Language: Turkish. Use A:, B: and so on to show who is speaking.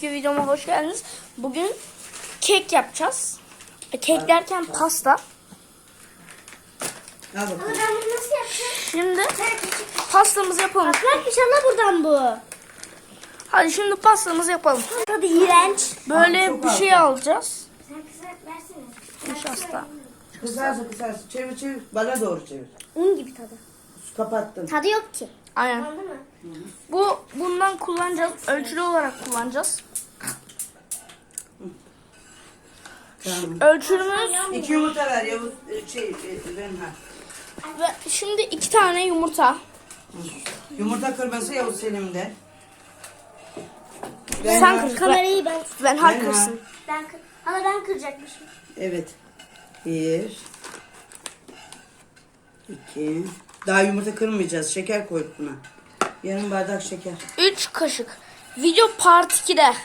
A: Bugünkü videoma hoş geldiniz. Bugün kek yapacağız. Kek derken pasta.
B: Al bakalım.
C: Ama ben bunu nasıl yapacağım?
A: Şimdi pastamızı yapalım.
C: Bak inşallah buradan bu.
A: Hadi şimdi pastamızı yapalım.
C: Tadı iğrenç.
A: Böyle
B: Çok
A: bir
B: az.
A: şey alacağız.
C: Sen kızart versene.
A: Nişasta.
B: Kızarsın. Çevir. Bana doğru çevir.
C: Un gibi tadı.
B: Kapattın.
C: Tadı yok ki.
A: Aynen.
C: Anladın mı?
A: Bundan kullanacağız. Ölçülü olarak kullanacağız.
B: Tamam.
A: Ölçümüz
B: 2 yumurta ver Yavuz. Ben
A: ve şimdi 2 tane yumurta.
B: Yumurta kırması Yavuz Selim'de.
A: Sen kır.
C: Kamerayı ben.
A: Ben kırsın.
C: Hala ben kıracakmışım.
B: Evet. 1 2 Daha yumurta kırmayacağız. Şeker koyduk buna. Yarım bardak şeker.
A: 3 kaşık. Video part 2'de.